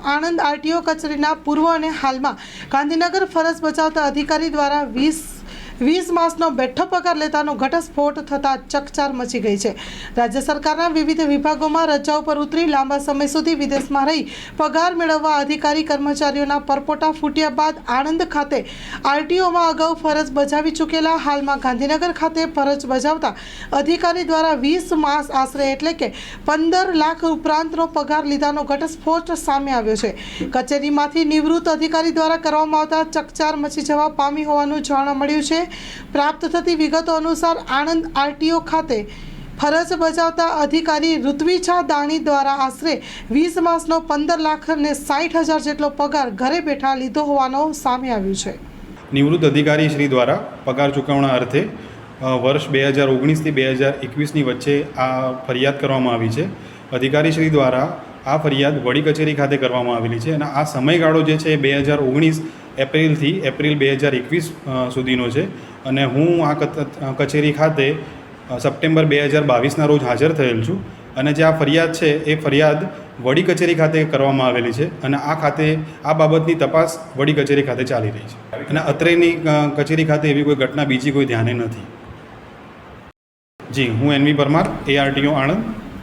Anand RTO કચેરીના પૂર્વ અને હાલમાં ગાંધીનગર ફરજ બજાવતા અધિકારી દ્વારા 20 માસનો બેઠો પગાર લેતાનો ઘટસ્ફોટ થતાં ચકચાર મચી ગઈ છે। રાજ્ય સરકારના વિવિધ વિભાગોમાં રજાઓ પર ઉતરી લાંબા સમય સુધી વિદેશમાં રહી પગાર મેળવવા અધિકારી કર્મચારીઓના પરપોટા ફૂટ્યા બાદ આણંદ ખાતે આરટીઓમાં અગાઉ ફરજ બજાવી ચૂકેલા હાલમાં ગાંધીનગર ખાતે ફરજ બજાવતા અધિકારી દ્વારા 20 માસ આશરે એટલે કે 15 લાખ ઉપરાંતનો પગાર લીધાનો ઘટસ્ફોટ સામે આવ્યો છે। કચેરીમાંથી નિવૃત્ત અધિકારી દ્વારા કરવામાં આવતા ચકચાર મચી જવા પામી હોવાનું જાણવા મળ્યું છે। પ્રાપ્ત થતી વિગતો અનુસાર આણંદ આરટીઓ ખાતે ફરજ બજાવતા અધિકારી ઋત્વિજા દાણી દ્વારા આશરે 20 માસનો 15 લાખ અને 60,000 જેટલો પગાર ઘરે બેઠા લીધો હોવાનું સામે આવ્યું છે। નિવૃત્ત અધિકારી શ્રી દ્વારા પગાર ચૂકવણા અર્થે વર્ષ 2019 થી 2021ની વચ્ચે આ ફરિયાદ કરવામાં આવી છે। અધિકારી શ્રી દ્વારા આ ફરિયાદ વડી કચેરી ખાતે કરવામાં આવેલી છે અને આ સમયગાળો જે છે 2019 એપ્રિલથી એપ્રિલ 2021 સુધીનો છે અને હું આ કચેરી ખાતે સપ્ટેમ્બર 2022ના રોજ હાજર થયેલ છું અને જે આ ફરિયાદ છે એ ફરિયાદ વડી કચેરી ખાતે કરવામાં આવેલી છે અને આ ખાતે આ બાબતની તપાસ વડી કચેરી ખાતે ચાલી રહી છે અને અત્રેની કચેરી ખાતે એવી કોઈ ઘટના બીજી કોઈ ધ્યાને નથી। જી, હું એનવી પરમાર, ARTO આણંદ।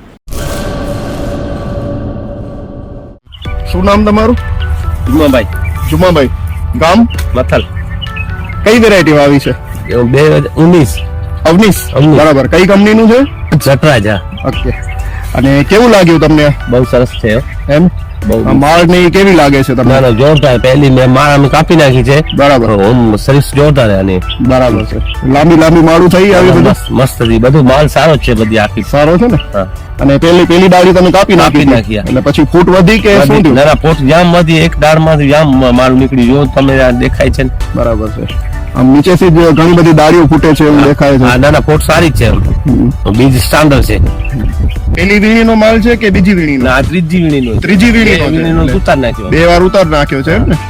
શું નામ તમારું? જુમાભાઈ, ગામ મથલ। કઈ વેરાયટી આવી છે? 2019 અવનીશ, બરાબર। કઈ કંપનીનું છે? જટરાજ। ઓકે, અને કેવું લાગ્યું તમને? બહુ સરસ છે એમ? માળ ની કેવી લાગે છે તમને? જોરદાર। પહેલી મેં માળ અમે કાપી નાખી છે, બરાબર। સર્વિસ જોરદાર આની, બરાબર છે। લાંબી માળું થઈ આવી, બધું મસ્ત હતી, બધું માલ સારો છે, બધી આખી સારો છે ને? અને પેલી ડાળી તમે કાપી નાખી એટલે પછી ફૂટ વધી કે શું થયું? ના, ફૂટ જામ માંથી એક દાળ માંથી જામ માલ નીકળી, જો તમે દેખાય છે ને? બરાબર છે। આમ નીચેથી જ ઘણી બધી ડાળીઓ ફૂટે છે એવું દેખાય છે। ના, ફૂટ સારી જ છે, બીજ સ્ટાન્ડર્ડ છે। પેલી વીણીનો માલ છે કે બીજી વીણીનો? ના, ત્રીજી વીણીનો ઉતાર નાખ્યો, 2 વાર ઉતાર નાખ્યો છે એમ ને?